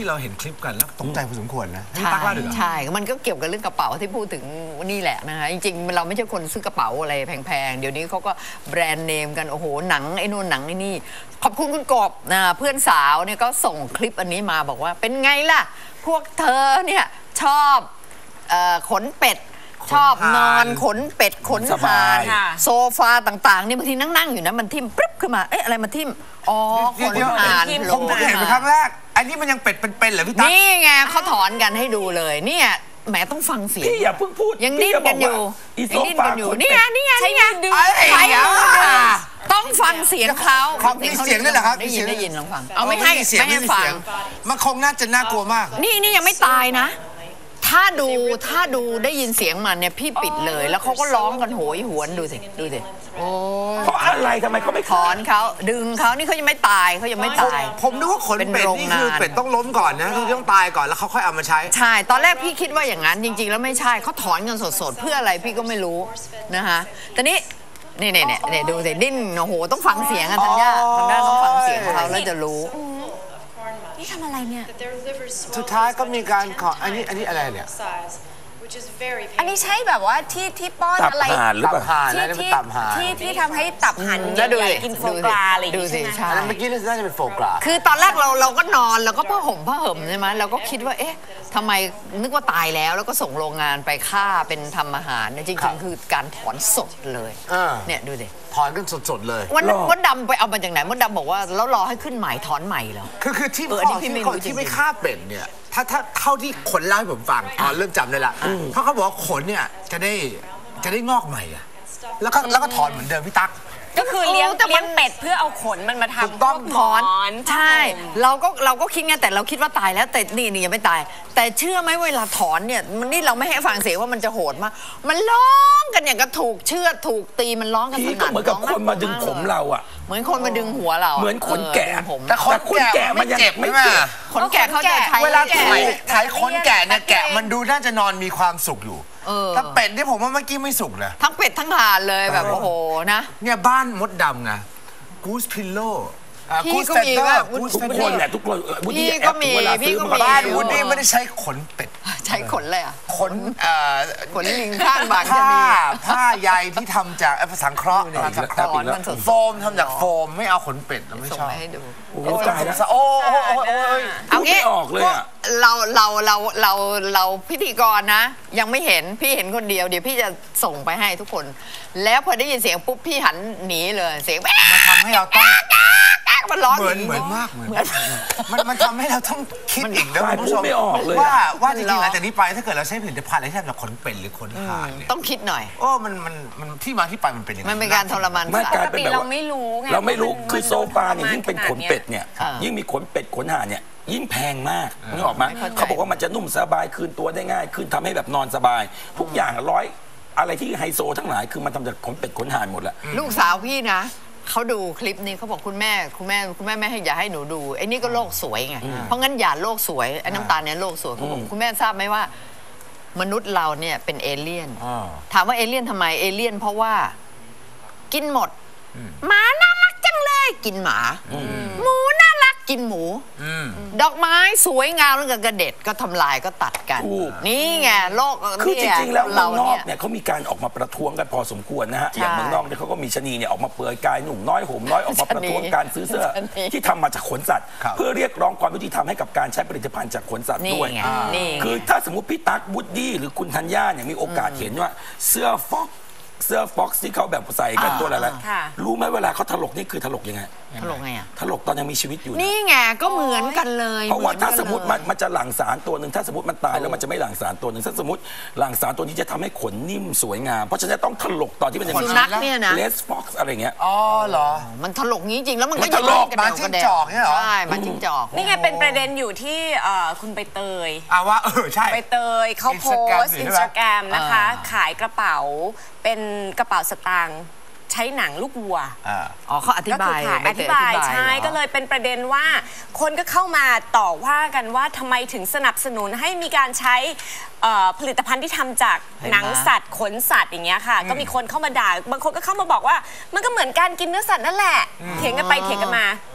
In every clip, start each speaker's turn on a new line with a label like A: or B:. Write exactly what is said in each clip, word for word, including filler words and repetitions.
A: เราเห็นคลิปกันแล้วตกใจพอสมควรนะใช่
B: ใช่มันก็เกี่ยวกับเรื่องกระเป๋าที่พูดถึงนี่แหละนะคะจริงๆเราไม่ใช่คนซื้อกระเป๋าอะไรแพงๆเดี๋ยวนี้เขาก็แบรนด์เนมกันโอ้โหหนังไอ้นู่นหนังไอ้นี่ขอบคุณคุณกบนะเพื่อนสาวเนี่ยก็ส่งคลิปอันนี้มาบอกว่าเป็นไงล่ะพวกเธอเนี่ยชอบขนเป็ดชอบนอนขนเป็ดขนห่านโซฟาต่างๆนี่บางทีนั่งๆอยู่นะมันทิ่มปึ๊บขึ้นมาเอ๊ะอะไรมาทิ่มอ๋อขนห่าน
A: ผมเห็นเป็นครั้งแรกอันนี้มันยังเป็ดเป็นๆเหรอพี่ตั๊ก
B: นี่ไงเขาถอนกันให้ดูเลยเนี่ยแหมต้องฟังเสียง
C: พี่อย่าเพิ่งพูด
B: ยังดิ้นกันอยู่ยังดิ้นกันอยู่นี่ไงนี่ไงนี่ไง
A: ใช่
B: ต้องฟังเสียงเขา
A: มีเสียงด้วยเหรอครับ
B: ได้ยินได้ยินลองฟังเอาไม่ให้ไม่ให้ฟัง
A: มันคงน่าจะน่ากลัวมาก
B: นี่นี่ยังไม่ตายนะถ้าดูถ้าดูได้ยินเสียงมันเนี่ยพี่ปิดเลยแล้วเขาก็ร้องกันโหยหวนดูสิดูสิ
A: โอ้
C: เพราะอะไรทำไมเขาไม่
B: ถอนเขาดึงเขานี่เขายังไม่ตายเขายังไม่ตาย
A: ผมนึกว่าขนเป็ดนี่คือเป็ดต้องล้มก่อนนะคือต้องตายก่อนแล้วเขาค่อยเอามาใช้
B: ใช่ตอนแรกพี่คิดว่าอย่างนั้นจริงๆแล้วไม่ใช่เขาถอนกันสดๆเพื่ออะไรพี่ก็ไม่รู้นะคะแต่นี้นี่เนี่ยเนี่ยดูสิดิ้นโอ้โหต้องฟังเสียงกันทันย่าทันย่าต้องฟังเสียงเขาแล้วจะรู้
D: นี่ทำอะไรเนี่ย
A: สุดท้ายก็มีการขออันนี้อันนี้อะไรเนี่ย
D: อันนี้ใช่แบบว่าที่ที่ป้อนอะไร
C: ตับห่านหรือเปล่า
A: ที่ที่
D: ที่ที่ทำให้ตับห่านใหญ่ๆกินโฟกราอะไร
B: ดูสิใช่
A: เมื่อกี้น่าจะเป็นโฟกรา
B: คือตอนแรกเราเราก็นอนแล้วก็ผ้าห่มผ้าห่มใช่ไหมเราก็คิดว่าเอ๊ะทำไมนึกว่าตายแล้วแล้วก็ส่งโรงงานไปฆ่าเป็นทำอาหารจริงๆคือการถอนสดเลยเนี่ยดูสิ
A: ถอนกันสดๆเลย
B: วันนั้นมดดำไปเอามาจากไหนมดดำบอกว่าแล้วรอให้ขึ้นใหม่ถอนใหม่เหรอ
A: คือคือที่พ่อที่ที่ไม่ฆ่าเป็ดเนี่ยถ้าถ้าเท่าที่ขนเล่าให้ผมฟังอ๋อเริ่มจำได้ละเพราะเขาบอกว่าขนเนี่ยจะได้จะได้งอกใหม่อะแล้วก็แล้วก็ถอนเหมือนเดิมพี่ตั๊ก
D: ก็คือเลี้ยงเลี้ยงเป็ดเพื่อเอาขนมันมาทำ
A: ต้อง
B: ถอนใช่เราก็เราก็คิดไงแต่เราคิดว่าตายแล้วแต่นี่นี่ยังไม่ตายแต่เชื่อไหมเวลาถอนเนี่ยมันนี่เราไม่ให้ฟังเสียงว่ามันจะโหดมากมันร้องกันอย่างกับถูกเชือดถูกตีมันร้องกัน
C: สนั่นเหมือนกับคนมาดึงผมเราอะ
B: เหมือนคนมาดึงหัวเรา
C: เหมือนขนแกะ
B: ผม
A: แต่คนแกะมันเจ็บไม่เจ็บ
B: ขนแกะเขาจะใช้
A: เวลาถ่ายถ่ายขนแกะเนี่ยแกะมันดูน่าจะนอนมีความสุขอยู่ถ้าเป็ดเนี่ยผมว่าเมื่อกี้ไม่สุกนะ
B: ทั้งเป็ดทั้งห่านเลยแบบโอ้โหนะ
A: เนี่ยบ้านมดดำไงกูสพิลโล่
B: พี่ก็มีว่า
C: ทุกคนแหละทุกคน
B: พี่ก็มีพี่ก็มี
A: บ้านวูดดี้ไม่ได้ใช้ขนเป็ด
B: ใช้ขนเลยอ่ะ
A: ขน
B: ขนลิงข้างบาง
A: ผ้าผ้าใยที่ทำจากสังเคราะห์สังเคราะห์โฟมทำจากโฟมไม่เอาขนเป็ดเราไม่ชอบ
B: ให้ดู
C: โอ้ตายแล้ว
A: โอ้ย
B: เอางี้
C: ออกเลยอ่ะ
B: เราเราเราเราเราพิธีกรนะยังไม่เห็นพี่เห็นคนเดียวเดี๋ยวพี่จะส่งไปให้ทุกคนแล้วพอได้ยินเสียงปุ๊บพี่หันหนีเลยเสียง
A: มันทำให้เราต้อง
B: มันร้อน
A: เหมือนเหมือนมากเหมือนมันมันทำให้เราต้องคิดอีกนะคุณผู้ชมว่าว่าจริงๆหลังจากนี้ไปถ้าเกิดเราใช้ผลิตภัณฑ์อะไรที่ทำจากขนเป็ดหรือขนห่านเนี่ย
B: ต้องคิดหน่อย
A: โอ้มันมันมันที่มาที่ไปมันเป็นยังไง
B: มันเป็นการทรมาน
C: ไม่กลายเป็นแบบ
D: เราไม่รู้ไง
C: เราไม่รู้คือโซฟาเนี่ยยิ่งเป็นขนเป็ดเนี่ยยิ่งมีขนเป็ดขนห่านเนี่ยยิ่งแพงมากนึกออกไหมเขาบอกว่ามันจะนุ่มสบายคืนตัวได้ง่ายขึ้นทำให้แบบนอนสบายทุกอย่างร้อยอะไรที่ไฮโซทั้งหลายคือมันทำจากขนเป็ดขนห่านหมดแหละ
B: ลูกสาวพี่นะเขาดูคลิปนี้เขาบอกคุณแม่คุณแม่คุณแม่ไม่ให้อย่าให้หนูดูไอ้นี่ก็โลกสวยไงเพราะงั้นอย่าโลกสวยไอ้น้ำตาลเนี่ยโลกสวยเขาบอกคุณแม่ทราบไหมว่ามนุษย์เราเนี่ยเป็นเอเลี่ยนถามว่าเอเลี่ยนทำไมเอเลี่ยนเพราะว่ากินหมดหมาน่ารักจังเลยกินหมาหมูน่ารักกินหมูดอกไม้สวยงามแล้วก็กระเด็ดก็ทำลายก็ตัดกันนี่ไงโลก
C: คือจริงๆแล้วเมืองนอกเนี่ยเขามีการออกมาประท้วงกันพอสมควรนะฮะอย่างเมืองนอกเนี่ยเขาก็มีชนีเนี่ยออกมาเปลือยกายหนุ่มน้อยห่มน้อยออกมาประท้วงการซื้อเสื้อที่ทำมาจากขนสัตว์เพื่อเรียกร้องความยุติธรรมให้กับการใช้ผลิตภัณฑ์จากขนสัตว์ด้วยคือถ้าสมมติพี่ตั๊กวูดดี้หรือคุณธัญญาเนี่ยมีโอกาสเห็นว่าเสื้อฟ็อกเสื้อฟ็อกซ์ที่เขาแบบใส่กันตัวอะไรรู้ไหมเวลาเขาถลกนี่คือถลกยังไง
B: ถลกไงอ่ะ
C: ถลกตอนยังมีชีวิตอยู่
B: นี่ไงก็เหมือนกันเลย
C: เพราะว่าถ้าสมมติมันมันจะหลั่งสารตัวหนึ่งถ้าสมมติมันตายแล้วมันจะไม่หลั่งสารตัวหนึ่งถ้าสมมติหลั่งสารตัวนี้จะทำให้ขนนิ่มสวยงามเพราะฉะนั้นต้องถลกตอนที่มันยังมีชีวิตเลสฟ็อกซ์อะไรเงี้ย
A: อ๋อเหรอ
B: มันถลกงี้จริงแล้วมันก็
A: ถลกมาจิ้งจอกเนี่ยเหรอ
B: ใช่มาจิ้งจอก
D: นี่ไงเป็นประเด็นอยู่ที่คุณใบเตย
A: อ่าว่าเออใช่
D: ใบเตยเขาโพสต์อินสตาแกรมนะคะขายกระเป๋าเป็นกระเป๋าสตางค์ใช้หนังลูกวัว
B: อ๋อเขาอธิบาย
D: อธิบายใช่ก็เลยเป็นประเด็นว่าคนก็เข้ามาต่อว่ากันว่าทำไมถึงสนับสนุนให้มีการใช้ผลิตภัณฑ์ที่ทำจากหนังสัตว์ขนสัตว์อย่างเงี้ยค่ะก็มีคนเข้ามาด่าบางคนก็เข้ามาบอกว่ามันก็เหมือนการกินเนื้อสัตว์นั่นแหละเถียงกันไปเถียงกันมา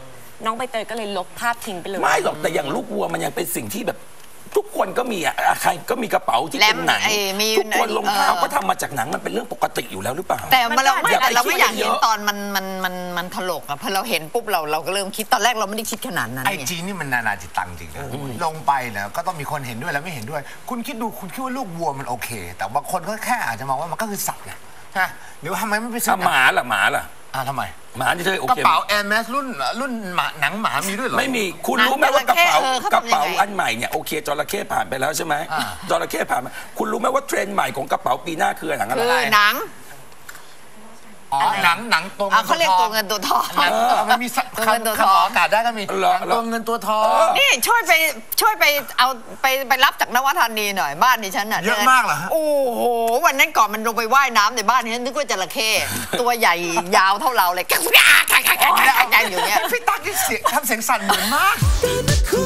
D: น้องใบเตยก็เลยลบภาพทิ้งไปเลย
C: ไม่หรอกแต่อย่างลูกวัวมันยังเป็นสิ่งที่แบบทุกคนก็มีอ่ะใครก็มีกระเป๋าที่เป็นหนังทุกคนรองเท้าก็ทำมาจากหนังมันเป็นเรื่องปกติอยู่แล้วหรือเปล่า
B: แต่เราไม่เราไม่อยากเห็นตอนมันมันมันมันถลกอ่ะพอเราเห็นปุ๊บเราเราก็เริ่มคิดตอนแรกเราไม่ได้คิดขนาดนั้น
A: ไอจีนี่มันนานาจิตตังจริงนะลงไปเนี่ยก็ต้องมีคนเห็นด้วยและไม่เห็นด้วยคุณคิดดูคุณคิดว่าลูกวัวมันโอเคแต่บางคนก็แค่อาจจะมองว่ามันก็คือสัตว์นะฮะหรือว่าทำไมไม่ไปซื้อ
C: หมาล่ะหมาล่ะ
A: อ่าทำไม
C: หมาที่เธอโอเค
A: กระเป๋าแอร์แมสรุ่นรุ่นหมาหนังหมามีด้วยเหรอ
C: ไม่มีคุณรู้ไหมว่ากระเป๋ากระเป๋าอันใหม่เนี่ยโอเคจระเข้ผ่านไปแล้วใช่ไหมจระเข้ผ่านมาคุณรู้ไหมว่าเทรนด์ใหม่ของกระเป๋าปีหน้าคือหนังอะไร
B: คือหนัง
A: อ๋อหนังหนังตัว
B: เขาเรียกตัวเงินตัวทอง
A: มันมีตัวเงินตัวทองอากาศได้ก็มีตัวเงินตัวทอง
B: นี่ช่วยไปช่วยไปเอาไปไปรับจากนวธานีหน่อยบ้านดิฉันน่ะ
A: เยอะมากเหรอ
B: โอ้โหวันนั้นก่อนมันลงไปว่ายน้ำในบ้านนี้นึกว่าจระเข้ตัวใหญ่ยาวเท่าเราเลยกักกักกักกักกักอยู่เนี้ย
A: พี่ตั๊กนี่เสียงทำเสียงสั่นเหมือนมาก